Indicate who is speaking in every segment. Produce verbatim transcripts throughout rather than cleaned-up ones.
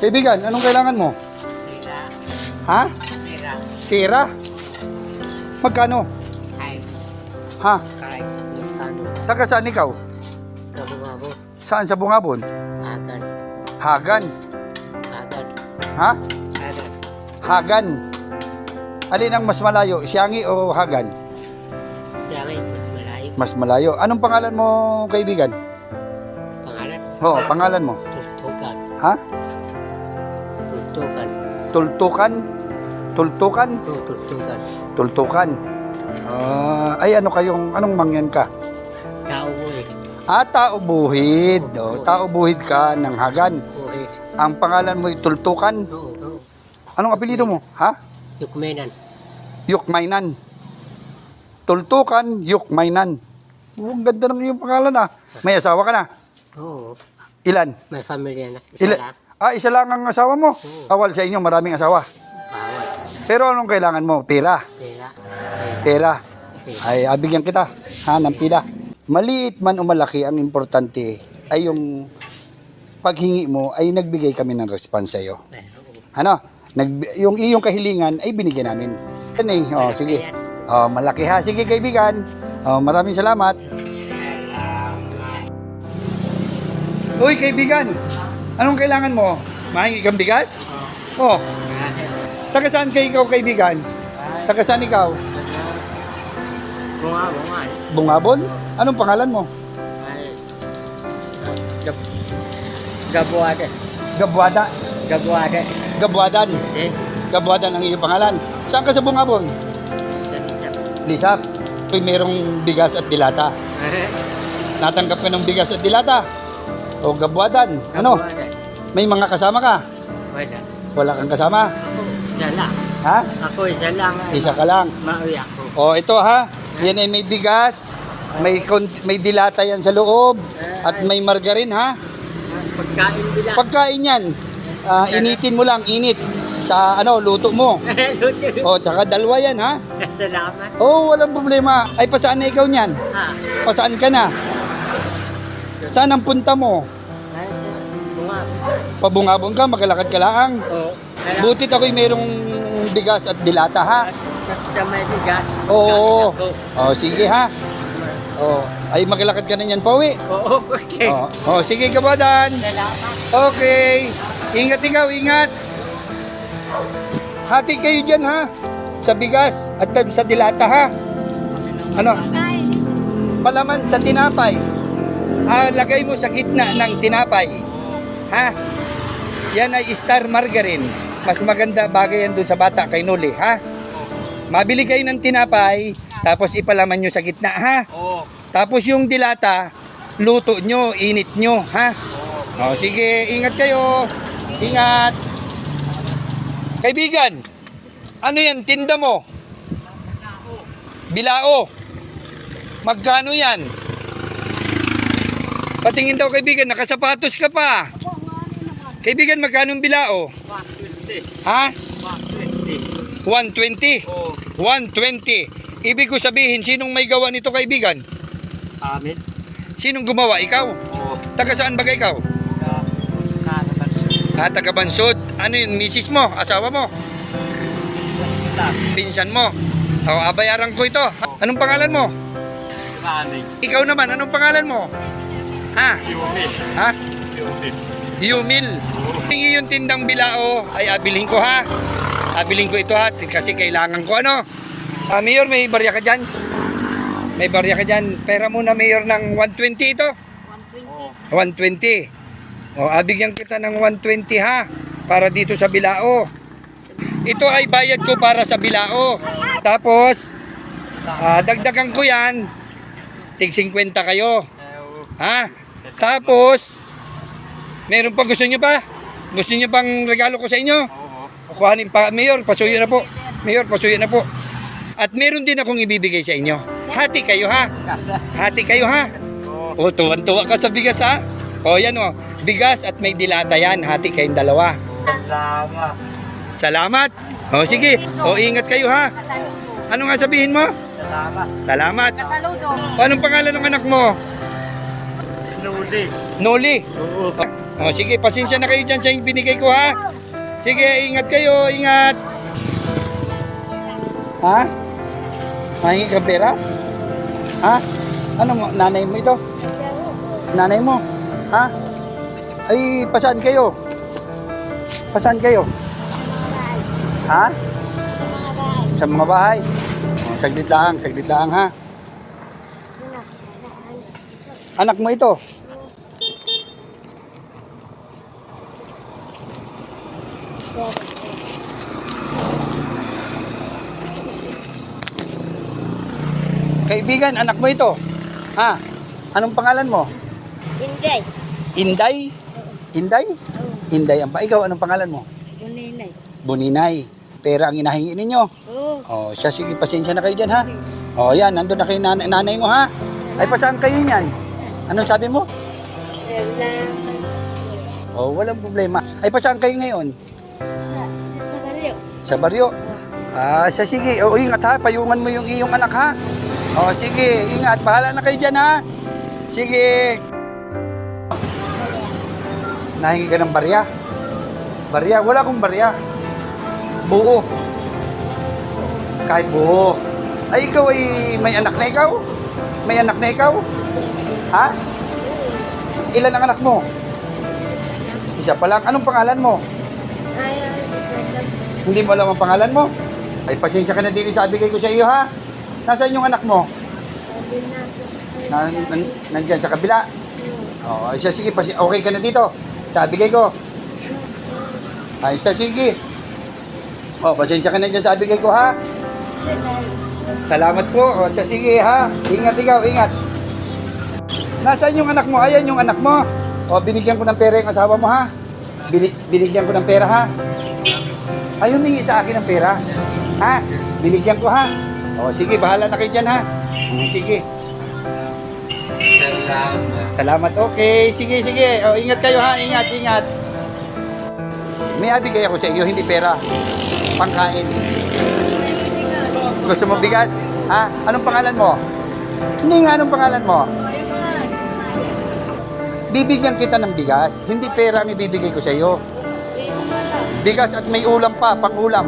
Speaker 1: Kaibigan, anong kailangan mo?
Speaker 2: Pera.
Speaker 1: Ha?
Speaker 2: Pera.
Speaker 1: Pera? Magkano?
Speaker 2: Kahit.
Speaker 1: Ha?
Speaker 2: Kahit. Magkano.
Speaker 1: Taga saan ikaw?
Speaker 2: Kabungabo.
Speaker 1: Saan sa Bungabon?
Speaker 2: Agan.
Speaker 1: Hagan.
Speaker 2: Agan.
Speaker 1: Ha?
Speaker 2: Agan.
Speaker 1: Hagan. Alin ang mas malayo? Siangi o Hagan?
Speaker 2: Siya ngayon, mas malayo.
Speaker 1: Mas malayo. Anong pangalan mo, kaibigan?
Speaker 2: Pangalan?
Speaker 1: Oo, pangalan mo.
Speaker 2: Tultukan.
Speaker 1: Ha?
Speaker 2: Tultukan.
Speaker 1: Tultukan? Tultukan?
Speaker 2: Oo, tultukan.
Speaker 1: Tultukan. Ah, ay ano kayong, anong mangyan ka?
Speaker 2: Tao mo eh.
Speaker 1: Ah, tao buhid. Oh, tao buhid ka ng Hagan.
Speaker 2: Buhit.
Speaker 1: Ang pangalan mo ay Tultukan.
Speaker 2: Oo, oo.
Speaker 1: Anong apelyido mo? Ha?
Speaker 2: Yukmenan.
Speaker 1: Yukmainan. Tultukan, Yukmainan. Oh, ang ganda ng iyong pangalan ah. May asawa ka na?
Speaker 2: Oo.
Speaker 1: Ilan?
Speaker 2: May pamilya na. Isa
Speaker 1: Ila-
Speaker 2: lang.
Speaker 1: ah, isa lang ang asawa mo? Awal sa inyo, maraming asawa.
Speaker 2: Bawal.
Speaker 1: Pero anong kailangan mo? Pera.
Speaker 2: Pera.
Speaker 1: Pera. Ay, abigyan kita. Ha, ng pila. Maliit man o malaki, ang importante ay yung paghingi mo ay nagbigay kami ng response sa iyo. Ano? Nag, yung iyong kahilingan ay binigyan namin. Yan eh. Oh, sige. Oh, malaki ha. Sige kaibigan. Oh, maraming salamat. Uy kaibigan. Anong kailangan mo? Mahingi kang bigas? Oh. Taga saan kayo ikaw kaibigan? Taga saan ikaw?
Speaker 2: Bunga, bunga.
Speaker 1: Bungabon? Anong pangalan mo?
Speaker 2: Ay. Gab Gabuada.
Speaker 1: Gabuada.
Speaker 2: Gabuada.
Speaker 1: Gabuadan.
Speaker 2: Eh.
Speaker 1: Gabuadan ang iyong pangalan. Saan ka sa Bungabon?
Speaker 2: Isa-isa.
Speaker 1: Lisap. Uy, merong bigas at dilata. Natanggap ka ng bigas at dilata. O Gabuadan. Ano?
Speaker 2: Gabuada.
Speaker 1: May mga kasama ka?
Speaker 2: Wala.
Speaker 1: Wala kang kasama?
Speaker 2: Ako, isa lang.
Speaker 1: Ha?
Speaker 2: Ako, isa lang.
Speaker 1: Isa ka lang.
Speaker 2: Mauwi ako.
Speaker 1: O ito ha. Yan ay may bigas. May, kon- may dilata yan sa loob. At may margarin ha.
Speaker 2: Pagkain bilang.
Speaker 1: Pagkain yan. ah, initin mo lang. Init. Sa ano, luto mo. O, tsaka dalawa yan ha.
Speaker 2: Salamat.
Speaker 1: Oo, walang problema. Ay, pasaan na ikaw niyan?
Speaker 2: Ha?
Speaker 1: Pasaan ka na? Saan ang punta mo?
Speaker 2: Ay, sa bunga.
Speaker 1: Pabungabon ka, magalakad ka lang.
Speaker 2: Oo.
Speaker 1: Butit ako'y merong bigas at dilata ha.
Speaker 2: Basta may bigas.
Speaker 1: Oo.
Speaker 2: Pagkain ako.
Speaker 1: O, sige ha. O, ay magalakad ka na niyan pauwi.
Speaker 2: Oo, okay.
Speaker 1: O, o sige kabadan.
Speaker 2: Salamat.
Speaker 1: Okay. Ingat ikaw, ingat. Hati kayo dyan ha. Sa bigas at sa dilata ha. Ano? Palaman sa tinapay. Ah, lagay mo sa gitna ng tinapay. Ha? Yan ay star margarine. Mas maganda bagay yan dun sa bata kay Noli, ha? Mabili kayo ng tinapay, tapos ipalaman nyo sa gitna, ha?
Speaker 2: Oo.
Speaker 1: Tapos yung dilata, luto nyo, init nyo, ha? O, sige, ingat kayo. Ingat. Kaibigan, ano yan, tinda mo? Bilao. Magkano yan? Patingin daw kaibigan, nakasapatos ka pa. Kaibigan, magkano ang bilao?
Speaker 2: one twenty.
Speaker 1: Ha?
Speaker 2: one twenty.
Speaker 1: one twenty.
Speaker 2: Oo.
Speaker 1: one twenty. Ibig ko sabihin, sinong may gawa nito kaibigan?
Speaker 2: Amin.
Speaker 1: Sinong gumawa? Ikaw?
Speaker 2: Oo.
Speaker 1: Taga saan ba ikaw? Ah, taga Bansod. Ano yun, misis mo? Asawa mo? Pinsan mo? O, abayaran ko ito. Anong pangalan mo?
Speaker 2: Amin.
Speaker 1: Ikaw naman, anong pangalan mo? Ha?
Speaker 2: Yumil.
Speaker 1: Ha?
Speaker 2: Yumil.
Speaker 1: Yumil. Tingi yung tindang bilao ay abiling ko ha. Abiling ko ito ha kasi kailangan ko ano. Ah, Mayor, may barya ka dyan? May barya ka dyan. Pera muna Mayor ng one twenty ito. one twenty. O, abigyan kita ng one twenty ha. Para dito sa bilao. Ito ay bayad ko para sa bilao. Tapos, ah, dagdagan ko yan. Tig fifty kayo. Ha? Tapos, meron pa gusto nyo pa? Gusto nyo pang regalo ko sa inyo? Oo. Kuhanin pa, Mayor, pasuyo na po. Mayor, pasuyo na po. At meron din akong ibibigay sa inyo. Hati kayo ha? Hati kayo ha? O, tuwan-tuwa ka sa bigas ha? O, yan o. Bigas at may dilata yan. Hati kayong dalawa.
Speaker 2: Salamat.
Speaker 1: Salamat. O, sige. O, ingat kayo ha? Ano nga sabihin mo?
Speaker 2: Salamat.
Speaker 1: Salamat.
Speaker 3: Saludo.
Speaker 1: Anong pangalan ng anak mo?
Speaker 2: Nuli.
Speaker 1: Noli.
Speaker 2: Oo.
Speaker 1: O, sige, pasensya na kayo dyan sa binigay ko, ha? Sige, ingat kayo, ingat. Ha? Mahingi ka pera? Ha? Ano mo, nanay mo ito? Nanay mo? Ha? Ay, pasaan kayo? Pasaan kayo? Ha? Sa mga bahay? O, saglit lang, saglit lang, ha? Anak mo ito? Kaibigan, anak mo ito? Ha? Anong pangalan mo?
Speaker 3: Inday.
Speaker 1: Inday? Inday? Inday ang pa. Ikaw, anong pangalan mo?
Speaker 3: Buninay.
Speaker 1: Buninay. Pera ang inahingi ninyo.
Speaker 3: Oo.
Speaker 1: O, siya, sige, pasensya na kayo dyan, ha? O, yan, nandun na kayo nanay, nanay mo, ha? Ay, pasaan kayo niyan? Anong sabi mo?
Speaker 3: Sa
Speaker 1: O, walang problema. Ay, pasaan kayo ngayon?
Speaker 3: sa baryo.
Speaker 1: Sa baryo? Ah, siya, sige. O, ingat, ha? Payungan mo yung iyong anak, ha? O, sige, ingat. Bahala na kayo dyan, ha? Sige. Nahingi ka ng barya? Barya? Wala akong barya. Buo. Kahit buo. Ay, ikaw ay may anak na ikaw? May anak na ikaw? Ha? Ilan ang anak mo? Isa pa lang. Anong pangalan mo?
Speaker 3: Ay,
Speaker 1: Hindi mo alam ang pangalan mo? Ay, pasensya ka na din sa bigay ko sa iyo, ha? Nasaan yung anak mo? Na, nan, nandyan sa kabila. Oo, ay, siya, sige. Pasi- okay ka na dito? Sa bigay ko. Ay, siya, sige. O, pasensya ka na dyan sa bigay ko, ha? Salamat po. O, siya, sige, ha? Ingat ikaw, ingat. Nasaan yung anak mo? Ayan yung anak mo. O, binigyan ko ng pera yung asawa mo, ha? Bini- binigyan ko ng pera, ha? Ay, humingi sa akin ng pera. Ha? Binigyan ko, ha? O, sige, bahala na kayo dyan, ha? Mm, sige.
Speaker 2: Salamat.
Speaker 1: Salamat, okay. Sige, sige. O, ingat kayo, ha? Ingat, ingat. May abigay ako sa iyo, hindi pera. Pangkain. Gusto mo bigas? Ha? Anong pangalan mo? Hindi nga, anong pangalan mo? Bibigyan kita ng bigas. Hindi pera ang ibibigay ko sa iyo. Bigas at may ulam pa, pang ulam.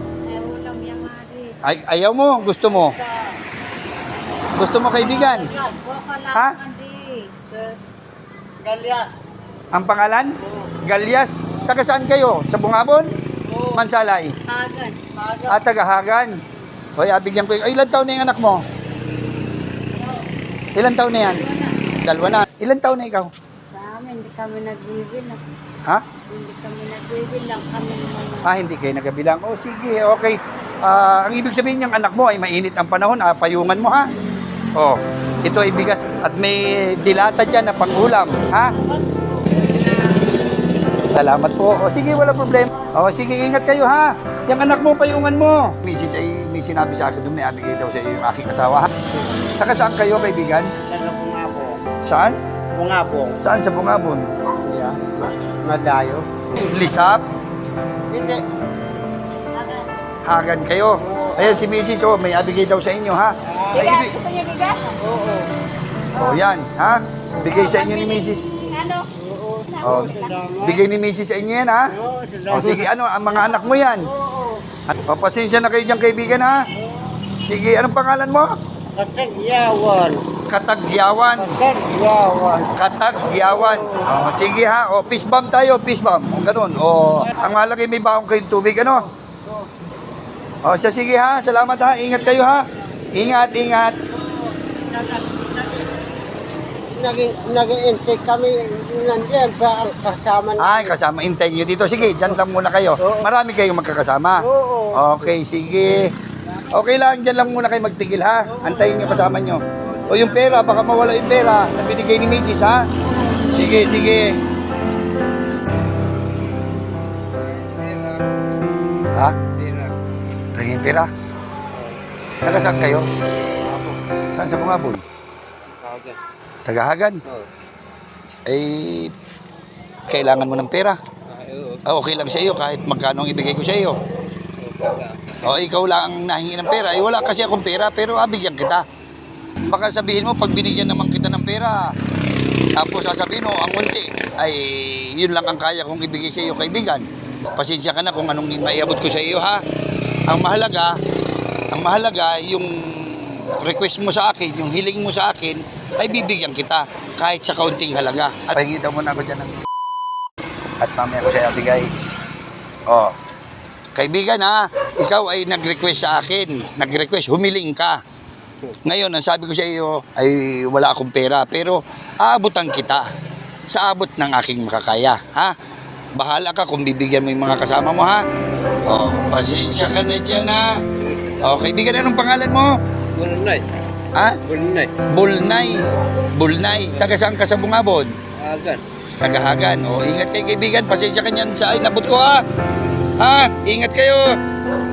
Speaker 1: Ay, ayaw mo, gusto mo. Gusto mo kaibigan? Ha?
Speaker 2: Galyas.
Speaker 1: Ang pangalan? Galyas. Taga saan kayo? Sa Bungabon? Mansalay?
Speaker 3: Hagan.
Speaker 1: At tagahagan. Hoy, abigyan ko. Ay, ilan taon na yung anak mo? Ilan taon na yan? Dalawa na. Ilan taon na ikaw?
Speaker 3: Sa amin, hindi kami nagbibilang.
Speaker 1: Ha?
Speaker 3: Hindi kami nagbibilang. Kami naman.
Speaker 1: Ah, hindi kayo nagabilang. Oh, sige, okay. Ah, ang ibig sabihin ng anak mo ay mainit ang panahon. Ah, payungan mo, ha? Oh, ito ay bigas at may dilata dyan na pangulam. Ha? Salamat po. O sige, wala problema. O sige, ingat kayo, ha? Yung anak mo, payungan mo. Misis ay may sinabi sa akin doon, may abigay daw sa iyo yung aking asawa, ha? Saka saan kayo, kaibigan?
Speaker 2: Ano bungabong?
Speaker 1: Saan?
Speaker 2: Bungabong.
Speaker 1: Saan sa Bungabon?
Speaker 2: Yeah. Madayo.
Speaker 1: Lisap?
Speaker 2: Hindi.
Speaker 1: Hagan kayo. Ayun, si Misis, oh, may abigay daw sa inyo, ha? Ay, ibig...
Speaker 3: Gusto niyo bigas?
Speaker 2: Oo.
Speaker 1: Oh, yan, ha? Bigay sa inyo ni Misis.
Speaker 3: Ano?
Speaker 1: Oh, bigay ni Misis sa inyo yan, ha?
Speaker 2: Oo,
Speaker 1: O sige, ano, ang mga anak mo yan?
Speaker 2: Oo.
Speaker 1: O, pasensya na kayo dyan, kaibigan, ha? Sige, anong pangalan mo?
Speaker 2: Katagyawan.
Speaker 1: Katagyawan.
Speaker 2: Katagyawan.
Speaker 1: Katagyawan. O, sige, ha? O, peace bomb tayo, peace bomb. O, ganun. O, ang mahalaga may baong kayong tubig, ano? O, siya, sige, ha? Salamat, ha? Ingat kayo, ha? Ingat, ingat.
Speaker 2: Naging, nag-intake kami nandiyan ba ang kasama
Speaker 1: Ay, kasama, intay nyo dito. Sige, dyan lang muna kayo. Marami kayong magkakasama.
Speaker 2: Oo.
Speaker 1: Okay, sige. Okay lang, dyan lang muna kayo magtigil, ha? Antayin nyo kasama nyo. O yung pera, baka mawala yung pera na binigay ni Missus, ha? Sige, sige. Ha? Tingin pera? Taga saan kayo? Saan sa Bungabon? Tagahagan? Eh, kailangan mo ng pera. Ah, okay lang sa iyo kahit magkano ang ibigay ko sa iyo. O, ikaw lang ang nahingi ng pera. Eh, wala kasi akong pera, pero ah, bigyan kita. Baka sabihin mo, pag binigyan naman kita ng pera, Tapos sasabihin mo, ang unti, ay yun lang ang kaya kong ibigay sa iyo, kaibigan. Pasensya ka na kung anong maiabot ko sa iyo, ha? Ang mahalaga, ang mahalaga, yung request mo sa akin, yung hiling mo sa akin, ay bibigyan kita kahit sa kaunting halaga. At pahingita mo na ako dyan ng... At mamaya ko sa'yo bigay. Oh. Kaibigan, ha, ikaw ay nag-request sa akin. Nag-request, humiling ka. Ngayon, ang sabi ko sa iyo ay wala akong pera, pero aabutan kita sa abot ng aking makakaya, ha? Bahala ka kung bibigyan mo yung mga kasama mo, ha? Oh, pasensya ka na dyan, ha? Oh, kaibigan, anong pangalan mo?
Speaker 2: Bulnay.
Speaker 1: Ha?
Speaker 2: Bulnay.
Speaker 1: Bulnay. Bulnay. Taga saan ka sa Bungabon?
Speaker 2: Agan.
Speaker 1: Tagahagan. O, ingat kayo kaibigan. Pasensya ka niyan sa inabot ko, ha? Ha? Ingat kayo.